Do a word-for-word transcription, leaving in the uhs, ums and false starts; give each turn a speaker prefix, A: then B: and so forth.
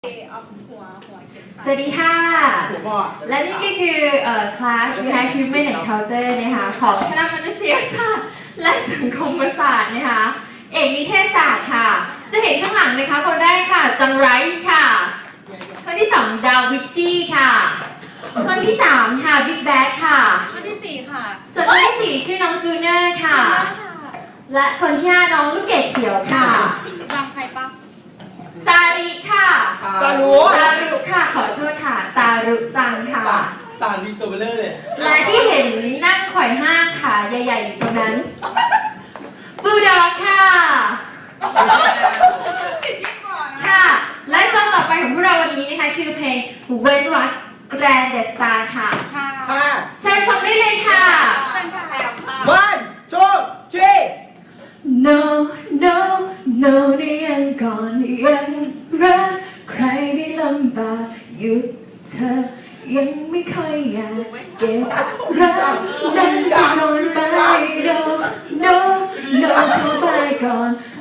A: สวัสดีค่ะและนี่ก็คือคลาสนะคะ Human and Culture นะคะของคณะมนุษยศาสตร์และสังคมศาสตร์นะคะเอกนิเทศศาสตร์ค่ะจะเห็นข้างหลังนะคะคนแรกค่ะจังไรส์ค่ะคนที่สองดาวิชชี่ค่ะคนที่สามค่ะบิ๊กแบดค่ะ
B: คนที่สี่ค่ะ
A: ส่วนคนที่สี่ชื่อน้องจูเนอร์ค่ะและคนที่ห้าน้องลูกเกดเขียวค่ะ
B: บางใครปะ
A: ซาริค่ะ
C: ซารุ
A: ซารุค่ะขอโทษค่ะซารุจังค่ะ
C: ซาริตัวเบลเลอร์เลย
A: และที่เห็นนั่งไขว่ห้างขาใหญ่ๆอยู่ตรงนั้นบูดอกค่ะค่ะและช่วงต่อไปของพวกเราวันนี้นะคะคือเพลงเว้นวรรคแกรนด์เดสตาร์ค่ะเชิญชมได้เลยค่ะ
C: วันทูทรี
A: no no no นี่ยังก่อนยังรักใครได้ลำบากหยุดเธอยังไม่ค่อยอยากเก็บรักนั้นจะโดนไป no no no เข้าไปก่อน